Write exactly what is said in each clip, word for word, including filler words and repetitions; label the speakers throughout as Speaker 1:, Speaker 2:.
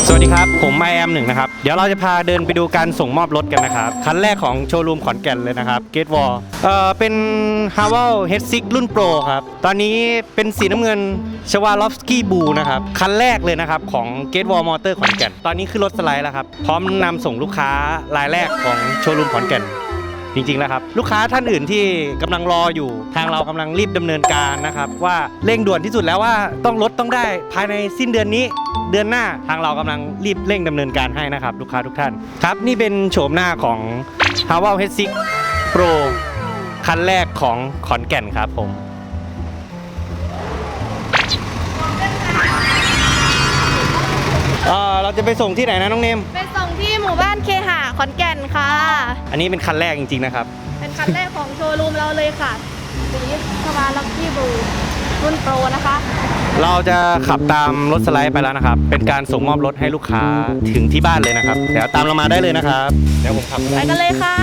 Speaker 1: สวัสดีครับผมไอแอมหนึ่งนะครับเดี๋ยวเราจะพาเดินไปดูการส่งมอบรถกันนะครับคันแรกของโชว์รูมขอนแก่นเลยนะครับเกตวอลเอ่อเป็น ฮาว เฮดซิก รุ่นโปรครับตอนนี้เป็นสีน้ำเงินชวาลอฟสกี้บูนะครับคันแรกเลยนะครับของเกตวอลมอเตอร์ขอนแก่นตอนนี้ขึ้นรถสไลด์แล้วครับพร้อมนำส่งลูกค้ารายแรกของโชว์รูมขอนแก่นจริงๆแล้วครับลูกค้าท่านอื่นที่กำลังรออยู่ทางเรากำลังรีบดำเนินการนะครับว่าเร่งด่วนที่สุดแล้วว่าต้องรถต้องได้ภายในสิ้นเดือนนี้เดือนหน้าทางเรากำลังรีบเร่งดำเนินการให้นะครับลูกค้าทุกท่านครับนี่เป็นโฉมหน้าของ ฮาว เฮดซิก โปร คันแรกของขอนแก่นครับผมเอ่อเราจะไปส่งที่ไหนนะน้องเนม
Speaker 2: ไปส่งที่หมู่บ้านเคหะขอนแก่นค่ะ
Speaker 1: อันนี้เป็นคันแรกจริงๆนะครับ
Speaker 2: เป็นคันแรกของโชว์รูมเราเลยค่ะสีสวาลักกี้บูรุ่นโปรนะคะ
Speaker 1: เราจะขับตามรถสไลด์ไปแล้วนะครับเป็นการส่งมอบรถให้ลูกค้าถึงที่บ้านเลยนะครับเดี๋ยวตามเรามาได้เลยนะครับเดี๋ยวผมขับ
Speaker 2: ไปกันเลยค่ะ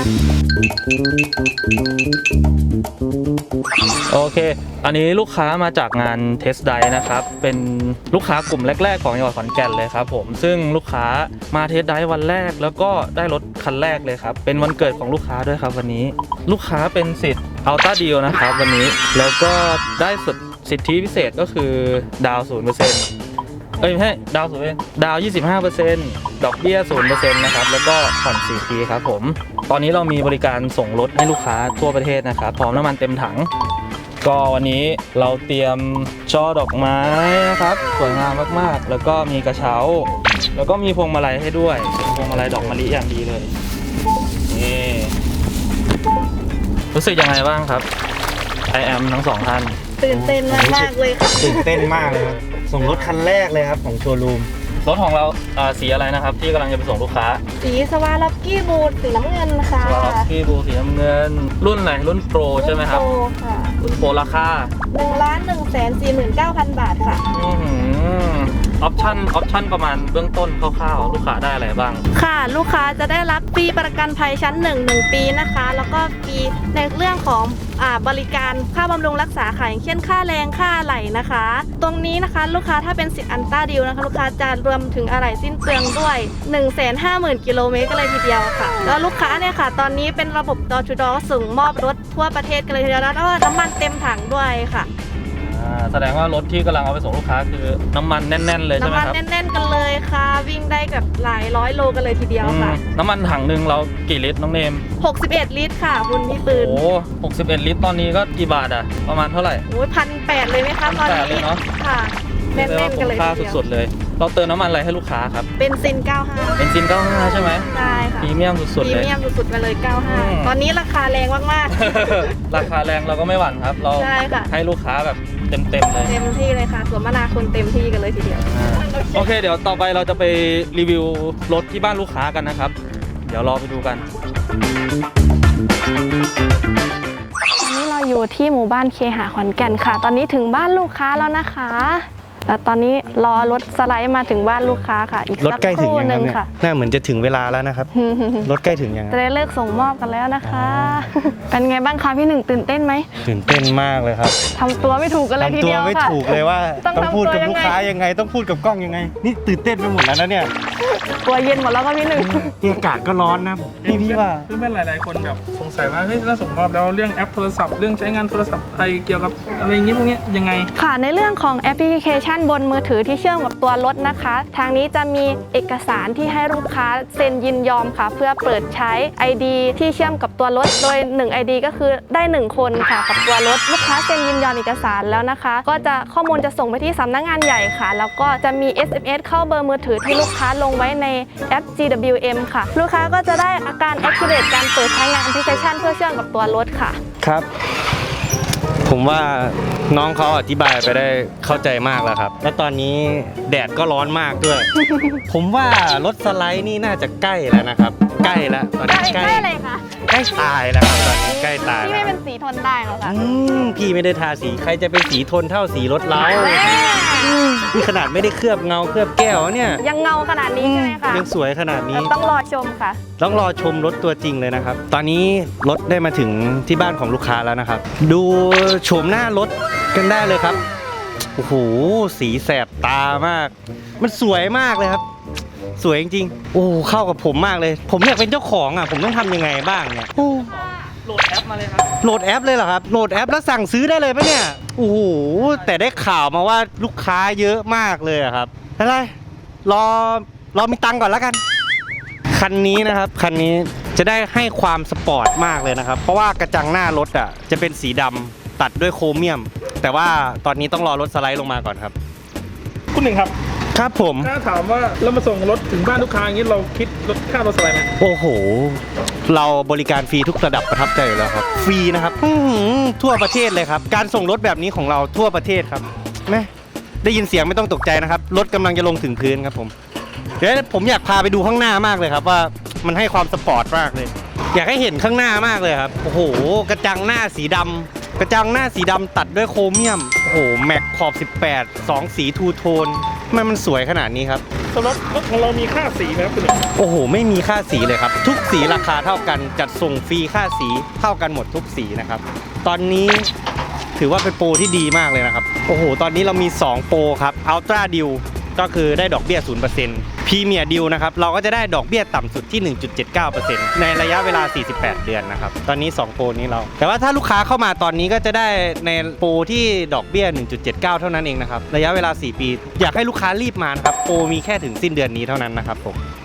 Speaker 3: โอเคอันนี้ลูกค้ามาจากงานเทสไดนะครับเป็นลูกค้ากลุ่มแรกๆของจังหวัดขอนแก่นเลยครับผมซึ่งลูกค้ามาเทสไดวันแรกแล้วก็ได้รถคันแรกเลยครับเป็นวันเกิดของลูกค้าด้วยครับวันนี้ลูกค้าเป็นสิทธิ์อัลต้าดีลนะครับวันนี้แล้วก็ได้สิทธิพิเศษก็คือดาวน์ ศูนย์เปอร์เซ็นต์ เอ้ยไม่ใช่ดาวน์ศูนย์เปอร์เซ็นต์ดาวน์ ยี่สิบห้าเปอร์เซ็นต์ ดอกเบี้ย ศูนย์เปอร์เซ็นต์ นะครับแล้วก็ผ่อนสี่ปีครับผมตอนนี้เรามีบริการส่งรถให้ลูกค้าทั่วประเทศนะครับพร้อมน้ำมันเต็มถังก็วันนี้เราเตรียมช่อดอกไม้นะครับสวยงามมากๆแล้วก็มีกระเช้าแล้วก็มีพวงมาลัยให้ด้วยเป็นพวงมาลัยดอกมะลิอย่างดีเลยนี่รู้สึกยังไงบ้างครับไอแอมทั้งสองท่าน
Speaker 2: ตื่นเต้นมากมากเลยค่ะ
Speaker 1: ตื่นเต้นมากเลยครับส่งรถคันแรกเลยครับของโชว์รูม
Speaker 3: รถของเราสีอะไรนะครับที่กำลังจะไปส่งลูกค้า
Speaker 2: สีสวาลักกี้บูสีน้ำเงินค่ะ
Speaker 3: สวาลักกี้บูสีน้ำเงินรุ่นไหนรุ่นโปรใช่ไหมครับ
Speaker 2: รุ่นโปรค่ะ
Speaker 3: รุ่นโปรราคา
Speaker 2: หนึ่งล้านหนึ่งแสนสี่หมื่นเก้าพันบาทค่ะ
Speaker 3: อือออปชั่นออปชั่นประมาณเบื้องต้นคร่าวๆลูกค้าได้อะไรบ้าง
Speaker 2: ค่ะลูกค้าจะได้รับฟรีประกันภัยชั้นหนึ่ง หนึ่งปีนะคะแล้วก็ฟรีในเรื่องของอ่าบริการค่าบำรุงรักษาค่ะอย่างเช่นค่าแรงค่าอะไหล่นะคะตรงนี้นะคะลูกค้าถ้าเป็นสิทธิ์อัลต้าดีลนะคะลูกค้าจะรวมถึงอะไหล่สิ้นเปลืองด้วย หนึ่งแสนห้าหมื่น กิโลเมตรกันเลยทีเดียวค่ะแล้วลูกค้าเนี่ยค่ะตอนนี้เป็นระบบดอทูดอส่งมอบรถทั่วประเทศกันเลยทีเดียวแล้วก็น้ำมันเต็มถังด้วยค่ะ
Speaker 3: แสดงว่ารถที่กำลังเอาไปส่งลูกค้าคือน้ำมันแน่นๆเลยใช่ไหมครับ
Speaker 2: น้ำมันแน่นๆกันเลยค่ะวิ่งได้แบบหลายร้อยโลกันเลยทีเดียวค่ะ
Speaker 3: น้ำมันถังหนึ่งเรากี่ลิตรน้องเนม
Speaker 2: หกสิบเอ็ดลิตรค่ะคุณพี่ปืน
Speaker 3: โอ้หกสิบเอ็ดลิตรตอนนี้ก็กี่บาทอะประมาณเท่าไหร่
Speaker 2: โอ้ยพันแปดเลยไหมคะตอนนี้
Speaker 3: เลยเนาะ
Speaker 2: ค่ะแน่นๆกันเลย
Speaker 3: ค่าสุดๆเลยเราเติมน้ำมันอะไรให้ลูกค้าครับ
Speaker 2: เบนซินเก้าสิบห้า
Speaker 3: เบนซินเก้าสิบห้าใช่ไหม
Speaker 2: ใช่ค่ะ
Speaker 3: พรีเมียมสุดๆเลย
Speaker 2: พรีเมียมสุดๆไปเลยเก้าสิบห้าตอนนี้ราคาแรงมาก
Speaker 3: ๆราคาแรงเราก็ไม่หวั่นครับเราให้ลูกค้าแบบเต็มๆเลย
Speaker 2: เต็มที่เลยค่ะสวมนาคุณเต็มที่กันเลยทีเดียว
Speaker 3: โอเคเดี๋ยวต่อไปเราจะไปรีวิวรถที่บ้านลูกค้ากันนะครับเดี๋ยวรอไปดูกัน
Speaker 2: ตอนนี้เราอยู่ที่หมู่บ้านเคหะขอนแก่นค่ะตอนนี้ถึงบ้านลูกค้าแล้วนะคะแล้วตอนนี้รอรถสไลด์มาถึงบ้านลูกค้าค่ะอีก
Speaker 1: รถใกล้ถึงยังครับเนี่ยน่าเหมือนจะถึงเวลาแล้วนะครับรถใกล้ถึงยัง
Speaker 2: จะได้เลิกส่งมอบกันแล้วนะคะเป็นไงบ้างคะพี่หนึ่งตื่นเต้นไหม
Speaker 1: ตื่นเต้นมากเลยครับ
Speaker 2: ทำตัวไม่ถูกกันเลยทีเดียวค่ะ
Speaker 1: ทำตัวไม่ถูกเลยว่าต้องพูดกับลูกค้ายังไงต้องพูดกับกล้องยังไงนี่ตื่นเต้นไปหมดแล้วนะเนี่ย
Speaker 2: ตัวเย็นหมดแล้วก็พี่หนึ่ง
Speaker 1: อากาศก็ร้อนนะพี่พี่ว่า
Speaker 4: เพื่อนๆหลายๆคนแบบสงสัยว่าเฮ้ยถ้าส่งมอบแล้วเรื่องแอปโทรศัพท์เรื่องใช้งานโทรศัพท์อะไรเกี่ยวกับอะไรอย่างนี้พวกนี้ยังไง
Speaker 2: ค่ะในเรื่องของแอปพลิเคชันบนมือถือที่เชื่อมกับตัวรถนะคะทางนี้จะมีเอกสารที่ให้ลูกค้าเซ็นยินยอมค่ะเพื่อเปิดใช้ ไอ ดี ที่เชื่อมกับตัวรถโดยหนึ่ง ไอ ดี ก็คือได้หนึ่งคนค่ะกับตัวรถลูกค้าเซ็นยินยอมเอกสารแล้วนะคะก็จะข้อมูลจะส่งไปที่สำนักงานใหญ่ค่ะแล้วก็จะมี เอส เอ็ม เอส เข้าเบอร์มือถือที่ลูกค้าลงไว้ในแอป จี ดับเบิลยู เอ็ม ค่ะลูกค้าก็จะได้อาการ activate การเปิดใช้งานแอปพลิเคชันเพื่อเชื่อมกับตัวรถค่ะ
Speaker 1: ครับผมว่าน้องเขาอธิบายไปได้เข้าใจมากแล้วครับแล้วตอนนี้แดดก็ร้อนมากด้วย ผมว่ารถสไลด์นี่น่าจะใกล้แล้วนะครับใกล้แล้วตอนนี้
Speaker 2: ใกล้เลยค่ะ
Speaker 1: ใกล้ตายแล้วครับตอนนี้ใกล้ตาย
Speaker 2: พี่ไม่เป็นสีทนได้หรอคะ
Speaker 1: พี่ไม่ได้ทาสีใครจะเป็นสีทนเท่าสีรถเรานี่ขนาดไม่ได้เคลือบเงาเคลือบแก้วเนี่ย
Speaker 2: ยังเงาขนาดนี้ใช่ไหมคะ
Speaker 1: ยังสวยขนาดนี้
Speaker 2: ต้องรอชมค่ะ
Speaker 1: ต้องรอชมรถตัวจริงเลยนะครับตอนนี้รถได้มาถึงที่บ้านของลูกค้าแล้วนะครับดูโฉมหน้ารถกันได้เลยครับโอ้โหสีแสบตามาก มันสวยมากเลยครับ สวยจริงๆโอ้เข้ากับผมมากเลย ผมอยากเป็นเจ้าของอ่ะผมต้องทำยังไงบ้างเนี่ยโอ้
Speaker 3: โหลดแอปมาเลยครับ
Speaker 1: โหลดแอปเลยเหรอครับโหลดแอปแล้วสั่งซื้อได้เลยปะเนี่ยโอ้โหแต่ได้ข่าวมาว่าลูกค้าเยอะมากเลยอะครับอะไรรอรอมีตังค์ก่อนแล้วกัน คันนี้นะครับคันนี้จะได้ให้ความสปอร์ตมากเลยนะครับ เพราะว่ากระจังหน้ารถอ่ะจะเป็นสีดำตัดด้วยโครเมียม แต่ว่าตอนนี้ต้องรอรถสไลด์ลงมาก่อนครับ
Speaker 4: คุณหนึ่งครับ
Speaker 1: ครับผม
Speaker 4: ถ้าถามว่าเรามาส่งรถถึงบ้านลูกค้าอย่างนี้เราคิดรถค่ารถอะไรไหม
Speaker 1: โอ้โห เราบริการฟรีทุกระดับประทับใจอยู่แล้วครับ ฟรีนะครับอื้อหือทั่วประเทศเลยครับ การส่งรถแบบนี้ของเราทั่วประเทศครับแม่ได้ยินเสียงไม่ต้องตกใจนะครับ รถกำลังจะลงถึงพื้นครับผม เดี๋ยวผมอยากพาไปดูข้างหน้ามากเลยครับว่ามันให้ความสปอร์ตมากเลย อยากให้เห็นข้างหน้ามากเลยครับ โอ้โห กระจังหน้าสีดำกระจังหน้าสีดำตัดด้วยโครเมียม โอ้โห แม็กขอบสิบแปด สองสีทูโทนทำไมมันสวยขนาดนี้ครับ
Speaker 4: สำหรับรถของเรามีค่าสีไหมครับคุณหนึ่ง
Speaker 1: โอ้โห ไม่มีค่าสีเลยครับ ทุกสีราคาเท่ากัน จัดส่งฟรีค่าสีเท่ากันหมดทุกสีนะครับ ตอนนี้ถือว่าเป็นโปรที่ดีมากเลยนะครับ โอ้โห ตอนนี้เรามีสองโปรครับ Ultra Deal ก็คือได้ดอกเบี้ย ศูนย์เปอร์เซ็นต์ Premier Deal นะครับ เราก็จะได้ดอกเบี้ยต่ำสุดที่ หนึ่งจุดเจ็ดเก้าเปอร์เซ็นต์ ในระยะเวลา สี่สิบแปด เดือนนะครับ ตอนนี้สองโปรนี้เรา แต่ว่าถ้าลูกค้าเข้ามาตอนนี้ก็จะได้ในโปรที่ดอกเบี้ย หนึ่งจุดเจ็ดเก้า เท่านั้นเองนะครับ ระยะเวลา สี่ ปี อยากให้ลูกค้ารีบมานะครับ โปรมีแค่ถึงสิ้นเดือนนี้เท่านั้นนะครับผม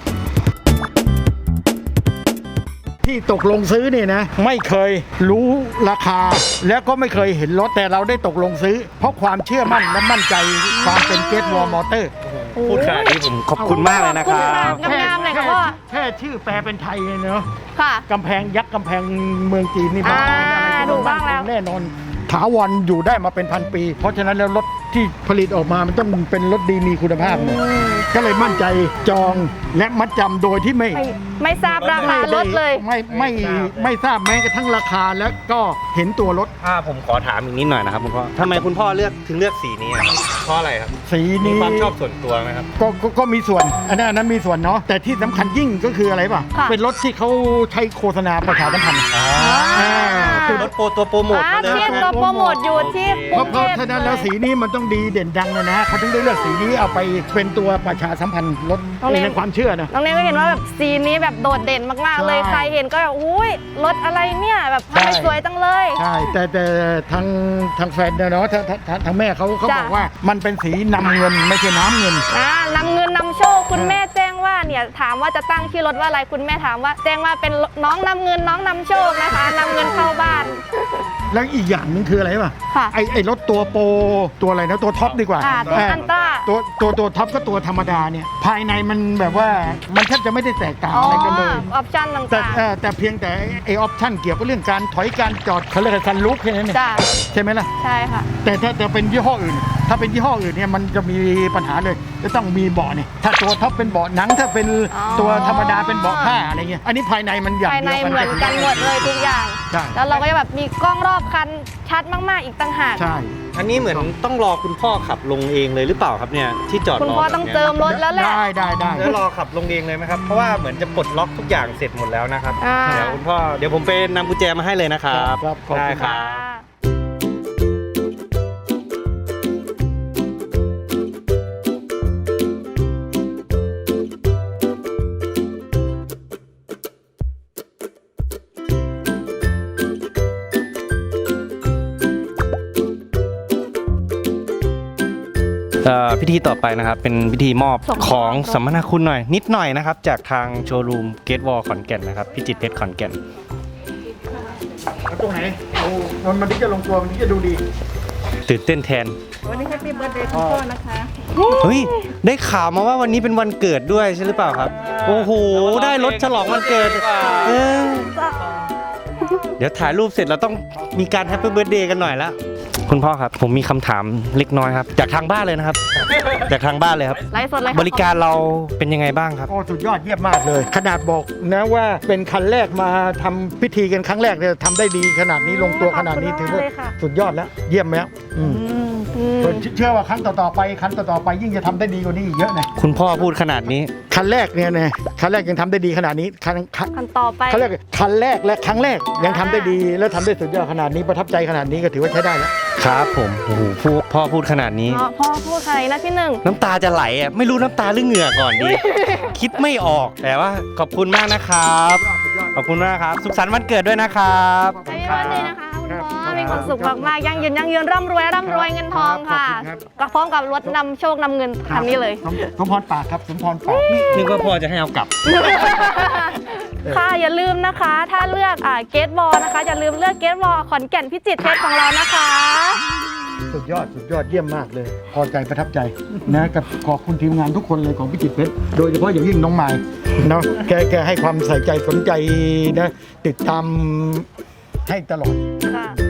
Speaker 5: ที่ตกลงซื้อเนี่ยนะไม่เคยรู้ราคา แล้วก็ไม่เคยเห็นรถแต่เราได้ตกลงซื้อ เพราะความเชื่อมั่นและมั่นใจความเป็นเกตวอลมอเตอร์
Speaker 1: พูดขนาดนี้ผมขอบคุณมากเลยนะครับ
Speaker 2: งามๆเลยค่ะพ่อ
Speaker 5: แค่ชื่อแปลเป็นไทยเนาะ
Speaker 2: ค่ะ
Speaker 5: กำแพงยักษ์กำแพงเมืองจีนนี่
Speaker 2: อ่า
Speaker 5: อะไร
Speaker 2: ถูกบ้างแล้ว
Speaker 5: แน่นอนถาวรอยู่ได้มาเป็นพันปี เพราะฉะนั้นแล้วรถที่ผลิตออกมามันต้องเป็นรถดีมีคุณภาพเนี่ยก็เลยมั่นใจจองและมัดจำโดยที่ไม่
Speaker 2: ไม่ไม่ทราบราคารถเลย
Speaker 5: ไม่ไม่ไม่ทราบแม้กระทั่งราคาแล้วก็เห็นตัวรถ
Speaker 1: ถ้าผมขอถามอีกนิดหน่อยนะครับคุณพ่อทำไมคุณพ่อเลือกถึงเลือกสีนี้อะครับเพราะอะไรครับ
Speaker 5: สี
Speaker 1: มี
Speaker 5: นี้
Speaker 1: ความชอบส่วนตัวไหมครับ
Speaker 5: ก็ก็ก็มีส่วนอันนั้นอันนั้นมีส่วนเนาะแต่ที่สำคัญยิ่งก็คืออะไรป่ะ
Speaker 2: ค่ะ
Speaker 5: เป็นรถที่เขาใช้โฆษณาประชาสัมพันธ์
Speaker 1: อ่าคือรถโปรตัวโปรโมท
Speaker 2: อ่า
Speaker 1: มาเลย
Speaker 2: ที่ตัวโปรโมทอยู่ที่ก
Speaker 5: เพ
Speaker 2: รุ
Speaker 5: ราะ
Speaker 2: ง
Speaker 5: เพ
Speaker 2: เท
Speaker 5: ราะ
Speaker 2: พ
Speaker 5: ฉะนั้นแล้วสีนี้มันต้องดีเด่นดังเลยนะเขาถึงได้เลือกสีนี้เอาไปเป็นตัวประชาสัมพันธ์รถในความเชื่อนะ
Speaker 2: น้องเนยก็เห็นว่าแบบสีนี้แบบโดดเด่นมากๆเลย
Speaker 5: ใช่
Speaker 2: ใครเห็นก็แบบอุ้ยรถอะไรเนี่ยแบบทำไม
Speaker 5: ใช่
Speaker 2: สวยจังเลย
Speaker 5: ใช่แต่แต่ทางทางแฟนเนี่ยเนาะทางทางทางทางแม่เขาเขา
Speaker 2: จ้ะ
Speaker 5: บอกว่ามันเป็นสีนำเงินไม่ใช่น้ำเงิน
Speaker 2: อ่านำเงินนำโชคคุณแม่แจ้งว่าเนี่ยถามว่าจะตั้งชื่อรถว่าอะไรคุณแม่ถามว่า แจ้งว่าเป็นน้องนำเงินน้องนำโชคนะคะนำเงินเข้าบ้าน
Speaker 5: แล้วอีกอย่างหนึงคืออะไรป่ะ
Speaker 2: ค่ะ
Speaker 5: ไอไอรถตัวโปรตัวอะไรนะตัวท็อปดีกว่า
Speaker 2: อ่าตัว
Speaker 5: เ
Speaker 2: อันต้า
Speaker 5: ตัวตัวตัวท็อปก็ตัวธรรมดาเนี่ยภายในมันแบบว่ามันแทบจะไม่ได้แตกต่าง
Speaker 2: อ๋อ
Speaker 5: อะไรกันเลย
Speaker 2: ออปชั่น
Speaker 5: แต่
Speaker 2: ต่าง
Speaker 5: เอ่อแต่เพียงแต่ไอออปชั่นเกี่ยวกับเรื่องการถอยการจอดเขาเรียกว่าซันรูฟแค่นั้นเอง
Speaker 2: ๆจ้า
Speaker 5: ใช่ไหมล่ะ
Speaker 2: ใช่ค่ะ
Speaker 5: แต่ถ้าจะเป็นยี่ห้ออื่น ถ้าเป็นยี่ห้ออื่นเนี่ยมันจะมีปัญหาเลยจะต้องมีเบาะเนี่ยถ้าตัวท็อปเป็นเบาะหนังถ้าเป็น
Speaker 2: อ๋อ
Speaker 5: ตัวธรรมดาเป็นเบาะผ้าอะไรเงี้ยอันนี้ภายในมันอย่าง
Speaker 2: ภายใน
Speaker 5: เดียว
Speaker 2: เหมือนกันหมดเลยทุกอย่าง
Speaker 5: ใช่
Speaker 2: แล้วเราก็จะแบบมีกล้องรอบคันชัดมากๆอีกต่างหาก
Speaker 5: ใช่
Speaker 1: อันนี้เหมือนต้องรอคุณพ่อขับลงเองเลยหรือเปล่าครับเนี่ยที่จอดรอ
Speaker 2: คุณพ่อต้องเจิมรถแล้วแหละ
Speaker 5: ได้ได้ได้
Speaker 1: แล้วรอขับลงเองเลยไหมครับ เพราะว่าเหมือนจะปลดล็อกทุกอย่างเสร็จหมดแล้วนะครับ
Speaker 2: อ่า
Speaker 1: เดี๋ยวคุณพ่อเดี๋ยวผมไปนำกุญแจมาให้เลยนะครับ
Speaker 5: ครับขอบ
Speaker 1: ได้
Speaker 5: คุณ
Speaker 1: ค
Speaker 5: ครั
Speaker 1: รับ บ เอ่อพิธีต่อไปนะครับเป็นพิธีมอบ
Speaker 2: ส่งมอบ
Speaker 1: ของสัมมนาคุณหน่อยนิดหน่อยนะครับ จากทางโชว์รูมเกตวอลขอนแก่นนะครับพิจิตรเพชรขอนแก่น
Speaker 5: แล้วตรงไหนโอ้มันมันถึงจะลงตัวมันถึงจะดูดี
Speaker 1: ตื่นเต้นแทน
Speaker 6: วันนี้แฮปปี้เบิร์ดเดย์คุณพ่อนะคะ
Speaker 1: เฮ้ยได้ข่าวมาว่าวันนี้เป็นวันเกิดด้วยใช่หรือเปล่าครับ โอ้โหได้รถฉลองวันเกิดเออเดี๋ยวถ่ายรูปเสร็จเราต้องมีการแฮปปี้เบิร์ดเดย์กันหน่อยแล้วคุณพ่อครับผมมีคำถามเล็กน้อยครับจากทางบ้านเลยนะครับ จากทางบ้านเลยครับ
Speaker 2: ไลฟ์สดเลยค่ะ
Speaker 1: บริการเราเป็นยังไงบ้างครับ
Speaker 5: โอ้สุดยอดเยี่ยมมากเลย ขนาดบอกนะว่าเป็นคันแรกมาทำพิธีกันครั้งแรกเนี่ยทำได้ดีขนาดนี้ลงตัวขนาดนี้ถือว่าสุดยอดแล้วเยี่ยมแล้วอืม
Speaker 2: อืมอืม
Speaker 5: เชื่อว่าครั้งต่อๆไปครั้งต่อๆไปยิ่งจะทำได้ดีกว่านี้อีกเยอะนะ
Speaker 1: คุณพ่อพูดขนาดนี้
Speaker 5: คันแรกเนี่ยนะคันแรกยังทำได้ดีขนาดนี้คันคัน
Speaker 2: คันต่อไป
Speaker 5: เขาเรียกคันแรกและครั้งแรกยังทำได้ดี และทำได้สุดยอดขนาดนี้ประทับใจขนาดนี้ก็ถือว่าใช้ได้แล้ว
Speaker 1: ครับผมโอ้โหพูดพ่อพูดขนาดนี้
Speaker 2: พ่อพ่อพูดใครนะพี่หนึ่ง
Speaker 1: น้ำตาจะไหลอ่ะไม่รู้น้ำตาหรือเหงื่อก่อนดี คิดไม่ออกแต่ว่าขอบคุณมากนะครับ ขอบคุณมากครับ สุขสันต์วันเกิดด้วยนะครับ
Speaker 2: ให้พี่วันเลยนะคะคุณพ่อมีความสุขมากๆยั่งยืนยั่งยืนร่ำรวยร่ำรวยเงินทองค่ะ
Speaker 5: ขอบคุณครับ
Speaker 2: ก็พร้อมกับรถนำโชคนำเงินคันนี้เลย
Speaker 5: สมสมพรปากครับสมพรปาก
Speaker 1: นึกว่าพ่อจะให้เอากลับ
Speaker 2: ค่ะอย่าลืมนะคะ ถ้าเลือกอ่าเกตบอลนะคะอย่าลืมเลือกเกตบอลขอนแก่นพิจิตรเพชรของเรานะคะ
Speaker 5: สุดยอดสุดยอดเยี่ยมมากเลย พอใจประทับใจนะกับขอบคุณทีมงานทุกคนเลยของพิจิตรเพชรโดยเฉพาะอย่างยิ่งน้องไม้เนาะแกแกให้ความใส่ใจสนใจนะติดตามให้ตลอด
Speaker 2: ค่ะ